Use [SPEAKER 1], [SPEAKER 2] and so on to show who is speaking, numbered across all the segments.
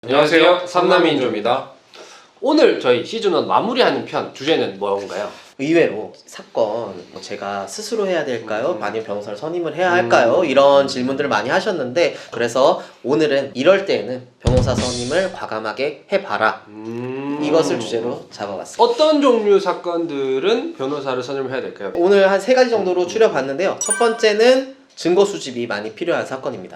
[SPEAKER 1] 안녕하세요. 삼남인조입니다. 오늘 저희 시즌1 마무리하는 편 주제는 뭔가요?
[SPEAKER 2] 의외로 사건 제가 스스로 해야 될까요? 아니면 변호사를 선임을 해야 할까요? 이런 질문들을 많이 하셨는데, 그래서 오늘은 이럴 때에는 변호사 선임을 과감하게 해봐라, 이것을 주제로 잡아봤습니다.
[SPEAKER 1] 어떤 종류 사건들은 변호사를 선임을 해야 될까요?
[SPEAKER 2] 오늘 한 3가지 정도로 추려봤는데요. 첫 번째는 증거 수집이 많이 필요한 사건입니다.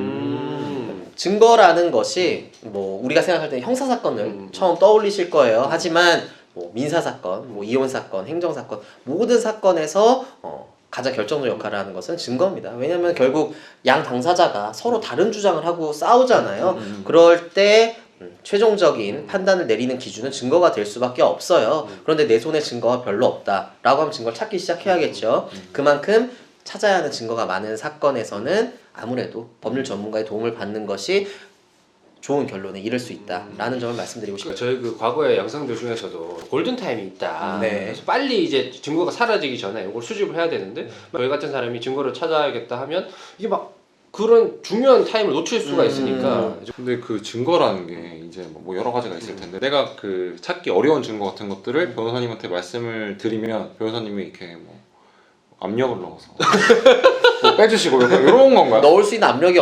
[SPEAKER 2] 증거라는 것이 뭐 우리가 생각할 때 형사 사건을 처음 떠올리실 거예요. 하지만 뭐 민사 사건, 뭐 이혼 사건, 행정 사건, 모든 사건에서 가장 결정적 역할을 하는 것은 증거입니다. 왜냐하면 결국 양 당사자가 서로 다른 주장을 하고 싸우잖아요. 그럴 때 최종적인 판단을 내리는 기준은 증거가 될 수밖에 없어요. 그런데 내 손에 증거가 별로 없다라고 하면 증거를 찾기 시작해야겠죠. 그만큼 찾아야 하는 증거가 많은 사건에서는 아무래도 법률 전문가의 도움을 받는 것이 좋은 결론에 이를 수 있다라는 점을 말씀드리고 싶습니다.
[SPEAKER 1] 저희 그 과거의 영상들 중에서도 골든타임이 있다.
[SPEAKER 2] 네.
[SPEAKER 1] 그래서 빨리 이제 증거가 사라지기 전에 이걸 수집을 해야 되는데, 저희 같은 사람이 증거를 찾아야겠다 하면 이게 막 그런 중요한 타임을 놓칠 수가 있으니까.
[SPEAKER 3] 근데 그 증거라는 게 이제 뭐 여러 가지가 있을 텐데, 내가 그 찾기 어려운 증거 같은 것들을 변호사님한테 말씀을 드리면 변호사님이 이렇게 뭐 압력을 넣어서 뭐 빼주시고 이런 건가요?
[SPEAKER 2] 넣을 수 있는 압력이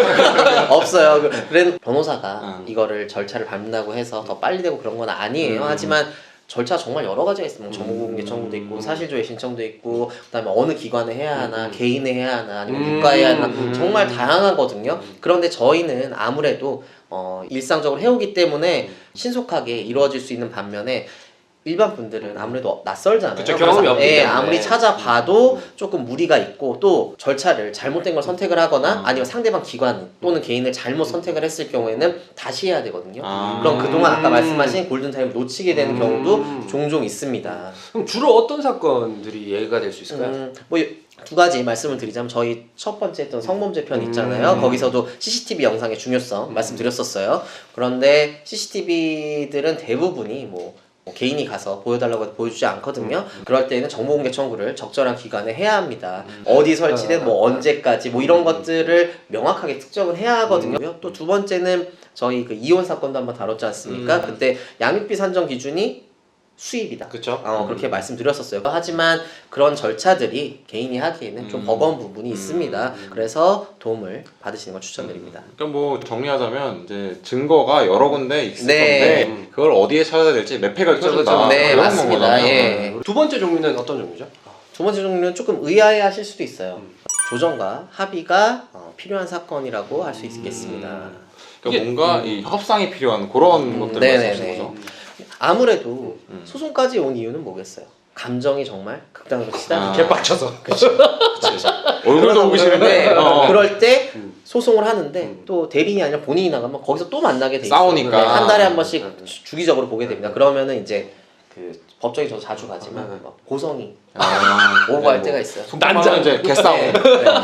[SPEAKER 2] 없어요. 그래도 변호사가 이거를 절차를 밟는다고 해서 더 빨리 되고 그런 건 아니에요. 하지만 절차 정말 여러 가지가 있어요. 정보공개 청구도 있고 사실조회 신청도 있고, 그다음에 어느 기관에 해야 하나, 개인에 해야 하나, 아니면 국가에 해야 하나, 정말 다양하거든요. 그런데 저희는 아무래도 일상적으로 해오기 때문에 신속하게 이루어질 수 있는 반면에 일반 분들은 아무래도 낯설잖아요.
[SPEAKER 1] 그쵸, 경험이 없기 때문에.
[SPEAKER 2] 아무리 찾아봐도 조금 무리가 있고, 또 절차를 잘못된 걸 선택을 하거나 아니면 상대방 기관 또는 개인을 잘못 선택을 했을 경우에는 다시 해야 되거든요. 그럼 그동안 아까 말씀하신 골든타임을 놓치게 되는 경우도 종종 있습니다.
[SPEAKER 1] 그럼 주로 어떤 사건들이 예가 될 수 있을까요?
[SPEAKER 2] 뭐 2가지 말씀을 드리자면, 저희 첫 번째 했던 성범죄 편 있잖아요. 거기서도 CCTV 영상의 중요성 말씀드렸었어요. 그런데 CCTV들은 대부분이 뭐 개인이 가서 보여달라고 해도 보여주지 않거든요. 그럴 때는 정보공개 청구를 적절한 기관에 해야 합니다. 어디 설치된 뭐 언제까지 뭐 이런 것들을 명확하게 특정을 해야 하거든요. 또 2번째는 저희 그 이혼 사건도 한번 다뤘지 않습니까? 그때 양육비 산정 기준이 수입이다.
[SPEAKER 1] 그쵸?
[SPEAKER 2] 그렇게 말씀드렸었어요. 하지만 그런 절차들이 개인이 하기에는 좀 버거운 부분이 있습니다. 그래서 도움을 받으시는 걸 추천드립니다.
[SPEAKER 3] 그러니까 뭐 정리하자면 이제 증거가 여러 군데 있을
[SPEAKER 2] 네.
[SPEAKER 3] 건데 그걸 어디에 찾아야 될지 매패가 켜진다.
[SPEAKER 2] 네,
[SPEAKER 3] 이런
[SPEAKER 2] 맞습니다.
[SPEAKER 3] 거잖아요.
[SPEAKER 2] 예.
[SPEAKER 1] 두 번째 종류는 어떤 종류죠?
[SPEAKER 2] 2번째 종류는 조금 의아해하실 수도 있어요. 조정과 합의가 필요한 사건이라고 할 수 있겠습니다.
[SPEAKER 3] 그러니까 뭔가 이 협상이 필요한 그런 것들을 말씀하시는 거죠.
[SPEAKER 2] 아무래도 소송까지 온 이유는 뭐겠어요? 감정이 정말 극단으로 치닫는
[SPEAKER 1] 개빡쳐서.
[SPEAKER 3] 얼굴도 보기 싫은데
[SPEAKER 2] 그럴 때 소송을 하는데 또 대리인이 아니라 본인이 나가면 거기서 또 만나게 돼 있어요.
[SPEAKER 3] 싸우니까.
[SPEAKER 2] 네, 한 달에 한 번씩 주기적으로 보게 됩니다. 그러면은 이제 그 법정에 저도 자주 가지만 막 고성이 오고 갈 때가 있어요.
[SPEAKER 3] 난장 이제 개싸움.
[SPEAKER 2] 네.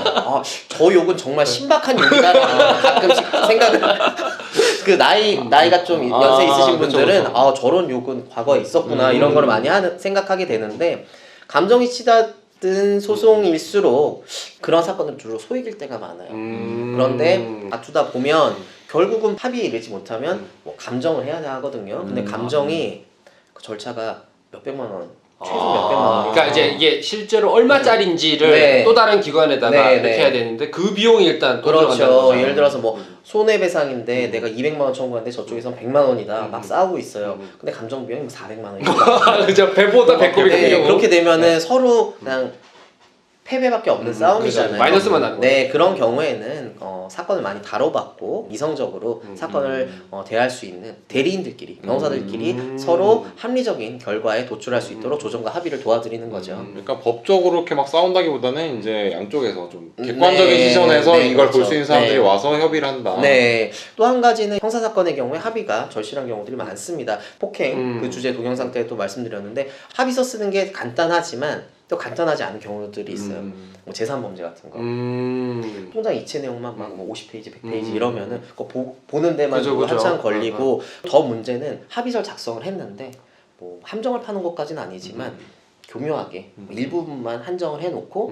[SPEAKER 2] 저 욕은 정말 신박한 욕이다. 가끔씩 생각을 그 나이가 좀 연세 있으신
[SPEAKER 3] 그쵸,
[SPEAKER 2] 분들은
[SPEAKER 3] 그쵸.
[SPEAKER 2] 저런 욕은 과거에 있었구나 이런 거를 많이 생각하게 되는데, 감정이 치닫은 소송일수록 그런 사건은 주로 소액일 때가 많아요. 그런데 다투다 보면 결국은 합의에 이르지 못하면 뭐 감정을 해야 하거든요. 근데 감정이 그 절차가 몇백만 원, 최소 몇백만 원.
[SPEAKER 1] 그러니까 이제 이게 실제로 얼마짜리인지를 또 다른 기관에다가 이렇게 해야 되는데 그 비용이 일단 또 들어간다는
[SPEAKER 2] 그렇죠.
[SPEAKER 1] 거죠.
[SPEAKER 2] 예를 들어서 뭐 손해배상인데 내가 200만 원 청구하는데 저쪽에선 100만 원이다. 막 싸우고 있어요. 근데 감정 비용이 뭐 400만 원이다.
[SPEAKER 1] 그죠. 배보다 배꼽이 큰 경우.
[SPEAKER 2] 그렇게 되면은 서로 그냥 패배밖에 없는 싸움이잖아요.
[SPEAKER 1] 그렇죠. 마이너스만 나는
[SPEAKER 2] 네, 그런 경우에는 사건을 많이 다뤄봤고 이성적으로 사건을 대할 수 있는 대리인들끼리, 변호사들끼리 서로 합리적인 결과에 도출할 수 있도록 조정과 합의를 도와드리는 거죠.
[SPEAKER 3] 그러니까 법적으로 이렇게 막 싸운다기보다는 이제 양쪽에서 좀 객관적인 시선에서 이걸 볼 수 있는 사람들이 와서 협의를 한다.
[SPEAKER 2] 네. 또 한 가지는 형사 사건의 경우에 합의가 절실한 경우들이 많습니다. 폭행 그 주제 동영상 때 또 말씀드렸는데, 합의서 쓰는 게 간단하지만 또 간단하지 않은 경우들이 있어요. 뭐 재산범죄 같은 거. 통장 이체 내용만 막 뭐 50페이지, 100페이지 이러면은 그거 보는 데만
[SPEAKER 1] 그죠.
[SPEAKER 2] 한참 걸리고, 더 문제는 합의서를 작성을 했는데 뭐 함정을 파는 것까지는 아니지만 교묘하게 일부분만 한정을 해놓고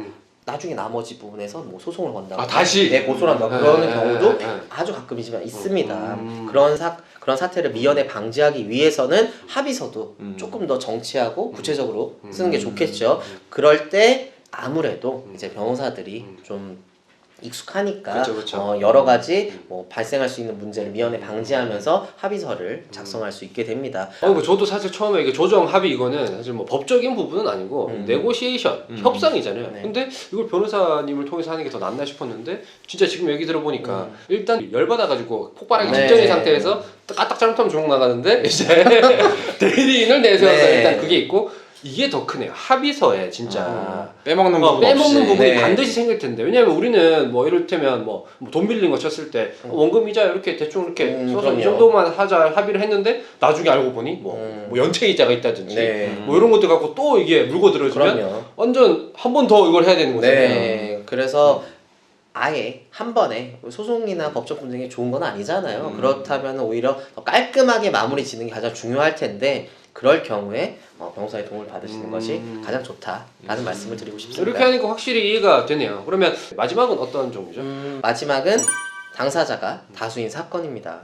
[SPEAKER 2] 나중에 나머지 부분에서 뭐 소송을 건다고
[SPEAKER 1] 아, 다시?
[SPEAKER 2] 고소를 한다고 그러는
[SPEAKER 1] 네,
[SPEAKER 2] 경우도
[SPEAKER 1] 네, 네.
[SPEAKER 2] 아주 가끔이지만 있습니다. 그런 사태를 미연에 방지하기 위해서는 합의서도 조금 더 정치하고 구체적으로 쓰는 게 좋겠죠. 그럴 때 아무래도 이제 변호사들이 좀 익숙하니까
[SPEAKER 1] 그쵸.
[SPEAKER 2] 여러 가지 뭐 발생할 수 있는 문제를 미연에 방지하면서 합의서를 작성할 수 있게 됩니다.
[SPEAKER 1] 저도 사실 처음에 이게 조정 합의 이거는 사실 뭐 법적인 부분은 아니고 네고시에이션 협상이잖아요.
[SPEAKER 2] 네.
[SPEAKER 1] 근데 이걸 변호사님을 통해서 하는 게 더 낫나 싶었는데 진짜 지금 얘기 들어보니까 일단 열받아가지고 폭발하기
[SPEAKER 2] 네.
[SPEAKER 1] 직전인 상태에서 까딱 잘못하면 조롱 나가는데 이제 대리인을 내세워서
[SPEAKER 2] 네.
[SPEAKER 1] 일단 그게 있고 이게 더 크네요. 합의서에 진짜
[SPEAKER 3] 빼먹는 부분
[SPEAKER 1] 빼먹는
[SPEAKER 3] 없이.
[SPEAKER 1] 부분이
[SPEAKER 2] 네.
[SPEAKER 1] 반드시 생길 텐데 왜냐면 우리는 뭐 이를테면 뭐 돈 빌린 거 쳤을 때 원금 이자 이렇게 대충 이렇게 써서
[SPEAKER 2] 그럼요.
[SPEAKER 1] 이 정도만 하자 합의를 했는데 나중에 알고 보니 뭐 연체 이자가 있다든지
[SPEAKER 2] 네.
[SPEAKER 1] 뭐 이런 것들 갖고 또 이게 물고 들어주면
[SPEAKER 2] 그럼요.
[SPEAKER 1] 완전 한 번 더 이걸 해야 되는 거잖아요.
[SPEAKER 2] 네, 그래서 아예 한 번에 소송이나 법적 분쟁이 좋은 건 아니잖아요. 그렇다면 오히려 더 깔끔하게 마무리 짓는 게 가장 중요할 텐데 그럴 경우에 변호사의 도움을 받으시는 것이 가장 좋다라는 말씀을 드리고 싶습니다.
[SPEAKER 1] 이렇게 하니까 확실히 이해가 되네요. 그러면 마지막은 어떤 종류죠?
[SPEAKER 2] 마지막은 당사자가 다수인 사건입니다.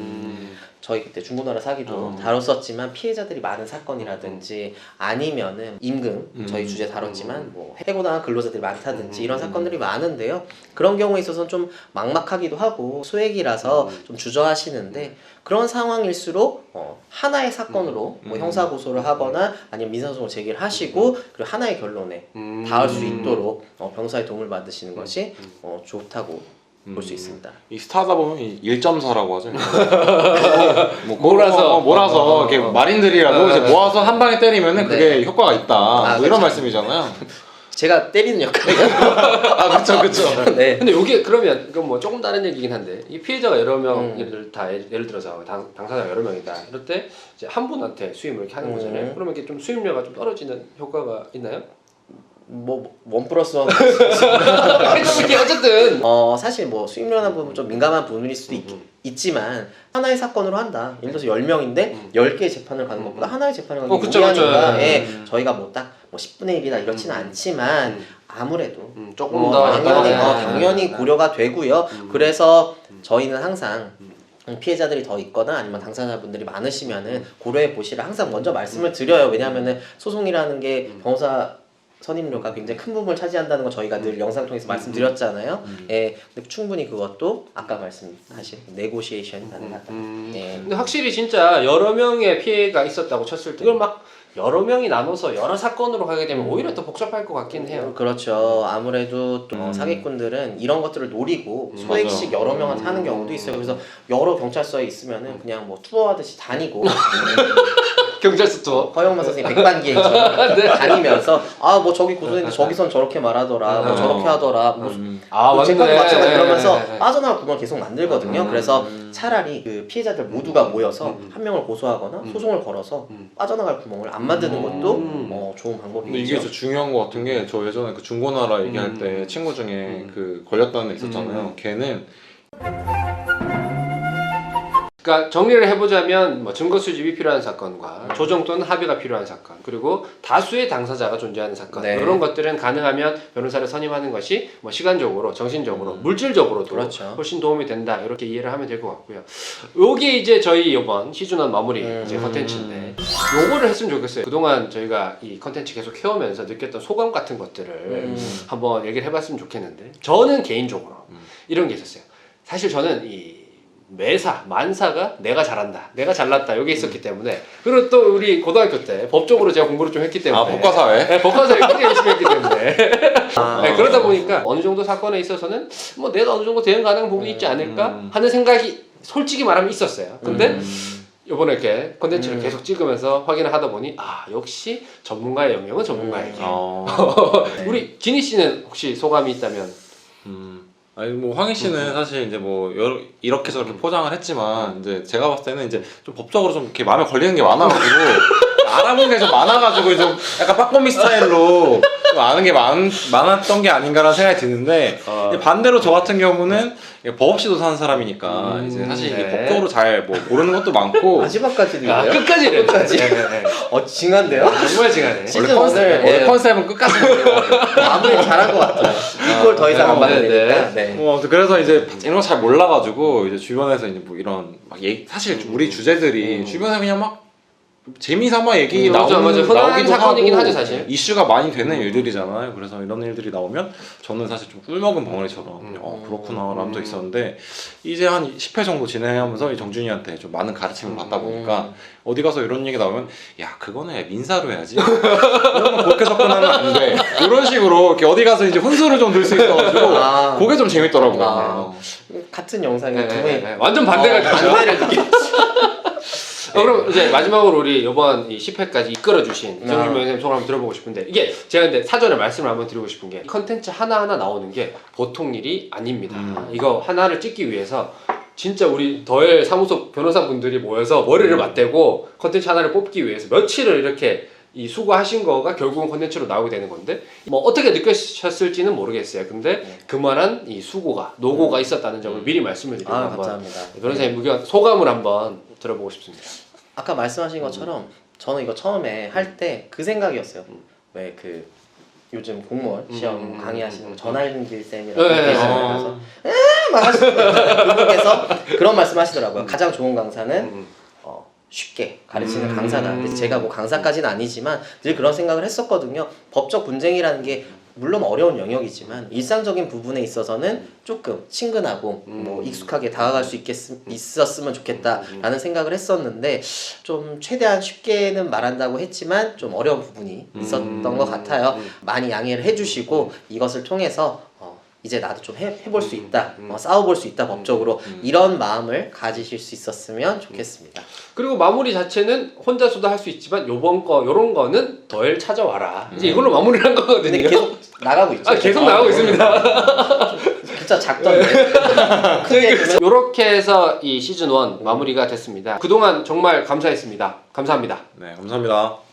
[SPEAKER 2] 저희 그때 중고나라 사기도 다뤘었지만 피해자들이 많은 사건이라든지 아니면은 임금 저희 주제 다뤘지만 뭐 해고당한 근로자들이 많다든지 이런 사건들이 많은데요. 그런 경우에 있어서는 좀 막막하기도 하고 소액이라서 좀 주저하시는데 그런 상황일수록 하나의 사건으로 뭐 형사 고소를 하거나 아니면 민사소송을 제기를 하시고 그리고 하나의 결론에 닿을 수 있도록 변호사의 도움을 받으시는 것이 좋다고 볼 수 있습니다.
[SPEAKER 3] 이 스타다 보면 1.4라고 하죠. 뭐
[SPEAKER 1] 몰아서.
[SPEAKER 3] 몰아서 이렇게 마린들이라도 이제 모아서 한 방에 때리면은 그게 효과가 있다. 뭐 이런
[SPEAKER 2] 그쵸.
[SPEAKER 3] 말씀이잖아요.
[SPEAKER 2] 제가 때리는 역할이요.
[SPEAKER 3] 아 그렇죠.
[SPEAKER 2] 네.
[SPEAKER 1] 근데 이게 그러면 이건 뭐 조금 다른 얘기긴 한데 이 피해자가 여러 명을 다 예를 들어서 당사자가 여러 명이다. 이럴 때 이제 한 분한테 수임을 이렇게 하는 거잖아요. 그러면 이게 좀 수임료가 좀 떨어지는 효과가 있나요?
[SPEAKER 2] 뭐 원 플러스 원.
[SPEAKER 1] 이게 어쨌든
[SPEAKER 2] 사실 뭐 수임료라는 부분 좀 민감한 부분일 수도 있지만 하나의 사건으로 한다. 예를 들어서 10명인데 10개의 재판을 가는 것보다 하나의 재판을 가는 게
[SPEAKER 1] 그쵸,
[SPEAKER 2] 무리하니까
[SPEAKER 1] 그쵸.
[SPEAKER 2] 저희가 뭐 딱 뭐 10분의 1이다 이렇지는 않지만 아무래도
[SPEAKER 1] 조금 더
[SPEAKER 2] 당연히 고려가 되고요. 그래서 저희는 항상 피해자들이 더 있거나 아니면 당사자분들이 많으시면은 고려해 보시라 항상 먼저 말씀을 드려요. 왜냐하면은 소송이라는 게 변호사 선임료가 굉장히 큰 부분을 차지한다는 거 저희가 늘 영상 통해서 말씀드렸잖아요. 예, 근데 충분히 그것도 아까 말씀하신 네고시에이션이 가능하다. 예.
[SPEAKER 1] 근데 확실히 진짜 여러 명의 피해가 있었다고 쳤을 때 이걸 막 여러 명이 나눠서 여러 사건으로 가게 되면 오히려 더 복잡할 것 같긴 해요.
[SPEAKER 2] 그렇죠. 아무래도 또 사기꾼들은 이런 것들을 노리고 소액씩 여러 명한테 하는 경우도 있어요. 그래서 여러 경찰서에 있으면은 그냥 뭐 투어하듯이 다니고
[SPEAKER 1] 경찰서 투어.
[SPEAKER 2] 허영만 선생님 백반기행처럼 다니면서 아 뭐 저기 고소했는데 저기선 저렇게 말하더라, 뭐 저렇게 하더라, 뭐 제까지 마찬가지 그러면서 빠져나갈 구멍을 계속 만들거든요. 그래서 차라리 그 피해자들 모두가 모여서 한 명을 고소하거나 소송을 걸어서 빠져나갈 구멍을 안 만드는 것도 좋은
[SPEAKER 3] 근데
[SPEAKER 2] 방법이죠.
[SPEAKER 3] 이게 진짜 중요한 것 같은 게 저 예전에 그 중고나라 얘기할 때 친구 중에 그 걸렸다는 애 있었잖아요. 걔는
[SPEAKER 1] 그러니까 정리를 해보자면 뭐 증거 수집이 필요한 사건과 조정 또는 합의가 필요한 사건 그리고 다수의 당사자가 존재하는 사건
[SPEAKER 2] 네.
[SPEAKER 1] 이런 것들은 가능하면 변호사를 선임하는 것이 뭐 시간적으로 정신적으로 물질적으로도
[SPEAKER 2] 그렇죠.
[SPEAKER 1] 훨씬 도움이 된다 이렇게 이해를 하면 될 것 같고요. 요게 이제 저희 이번 시즌1 마무리 이제 컨텐츠인데 요거를 했으면 좋겠어요. 그동안 저희가 이 컨텐츠 계속 해오면서 느꼈던 소감 같은 것들을 한번 얘기를 해봤으면 좋겠는데 저는 개인적으로 이런 게 있었어요. 사실 저는 이 매사, 만사가 내가 잘한다, 내가 잘났다 이게 있었기 때문에 그리고 또 우리 고등학교 때 법적으로 제가 공부를 좀 했기 때문에
[SPEAKER 3] 법과사회?
[SPEAKER 1] 네, 법과사회 굉장히 열심히 했기 때문에 네, 그러다 보니까 어느 정도 사건에 있어서는 뭐 내가 어느 정도 대응 가능한 부분이 있지 않을까 하는 생각이 솔직히 말하면 있었어요. 근데 이번에 이렇게 컨텐츠를 계속 찍으면서 확인을 하다 보니 아 역시 전문가의 영역은 전문가에게 우리 지니 씨는 혹시 소감이 있다면
[SPEAKER 3] 아니 뭐 황희 씨는 사실 이제 뭐 이렇게 저렇게 포장을 했지만 이제 제가 봤을 때는 이제 좀 법적으로 좀 이렇게 마음에 걸리는 게 많아가지고 알아본 게 좀 많아가지고 좀 약간 빠꼬미 스타일로 아는 게 많았던 게 아닌가라는 생각이 드는데 근데 반대로 저 같은 경우는 법 없이도 사는 사람이니까 이제 사실 이게
[SPEAKER 1] 네.
[SPEAKER 3] 법적으로 잘 뭐 모르는 것도 많고
[SPEAKER 2] 마지막까지도
[SPEAKER 1] 아,
[SPEAKER 2] 있네요.
[SPEAKER 1] 끝까지는.
[SPEAKER 2] 끝까지.
[SPEAKER 1] 네, 네, 네.
[SPEAKER 2] 징한데요?
[SPEAKER 1] 정말 징하네.
[SPEAKER 2] 시즌 오늘
[SPEAKER 3] 원래 컨셉은 끝까지
[SPEAKER 2] 마무리 잘한 것 같아요. 이걸 더 이상 안
[SPEAKER 1] 네,
[SPEAKER 2] 받아야
[SPEAKER 1] 네.
[SPEAKER 2] 되니까. 네.
[SPEAKER 3] 그래서 이제 이런 거 잘 몰라가지고 이제 주변에서 이제 뭐 이런 막 사실 우리 주제들이 주변에 그냥 막 재미삼아 얘기
[SPEAKER 1] 맞아, 맞아. 흔한 사건이긴 하죠, 사실.
[SPEAKER 3] 이슈가 많이 되는 일들이잖아요. 그래서 이런 일들이 나오면 저는 사실 좀 꿀먹은 벙어리처럼 그렇구나 라는 도 있었는데 이제 한 10회 정도 진행하면서 이 정준이한테 좀 많은 가르침을 받다 보니까 어디 가서 이런 얘기 나오면 야 그거는 민사로 해야지 그러면 그렇게 접근하면 안 돼 이런 식으로 이렇게 어디 가서 이제 훈수를 좀 들 수 있어가지고 그게 좀 재밌더라고요.
[SPEAKER 2] 같은 영상에
[SPEAKER 1] 네,
[SPEAKER 2] 두
[SPEAKER 1] 네,
[SPEAKER 2] 분이
[SPEAKER 1] 네. 완전 반대가 되죠.
[SPEAKER 2] 반대를 느끼.
[SPEAKER 1] 그럼 이제 마지막으로 우리 이번 이 10회까지 이끌어주신 정준명 선생님 소감 한번 들어보고 싶은데 이게 제가 근데 사전에 말씀을 한번 드리고 싶은 게 컨텐츠 하나하나 나오는 게 보통 일이 아닙니다. 이거 하나를 찍기 위해서 진짜 우리 더엘 사무소 변호사분들이 모여서 머리를 맞대고 컨텐츠 하나를 뽑기 위해서 며칠을 이렇게 이 수고하신 거가 결국은 컨텐츠로 나오게 되는 건데 뭐 어떻게 느끼셨을지는 모르겠어요. 근데 그만한 이 수고가 노고가 있었다는 점을 미리 말씀을 드리고 한번
[SPEAKER 2] 감사합니다.
[SPEAKER 1] 변호사님 의견 소감을 한번 들어보고 싶습니다.
[SPEAKER 2] 아까 말씀하신 것처럼 저는 이거 처음에 할 때 그 생각이었어요. 왜 그 요즘 공무원 시험 강의하시는 전할길 쌤이라고 계시잖아요. 그래서 막 하시는데 그분께서 그런 말씀하시더라고요. 가장 좋은 강사는 쉽게 가르치는 강사다. 근데 제가 뭐 강사까지는 아니지만 늘 그런 생각을 했었거든요. 법적 분쟁이라는 게 물론 어려운 영역이지만 일상적인 부분에 있어서는 조금 친근하고 뭐 익숙하게 다가갈 수 있었으면 좋겠다라는 생각을 했었는데 좀 최대한 쉽게는 말한다고 했지만 좀 어려운 부분이 있었던 것 같아요. 많이 양해를 해주시고 이것을 통해서 이제 나도 좀 해볼 수 있다, 싸워볼 수 있다 법적으로 이런 마음을 가지실 수 있었으면 좋겠습니다.
[SPEAKER 1] 그리고 마무리 자체는 혼자서도 할 수 있지만 요번 거 요런 거는 더엘 찾아와라. 이제 이걸로 마무리를 한 거거든요.
[SPEAKER 2] 근데 계속 나가고 있죠.
[SPEAKER 1] 계속 나가고 있습니다.
[SPEAKER 2] 진짜 작던데.
[SPEAKER 1] 이렇게 해서 이 시즌 1 마무리가 됐습니다. 그동안 정말 감사했습니다. 감사합니다.
[SPEAKER 3] 네 감사합니다.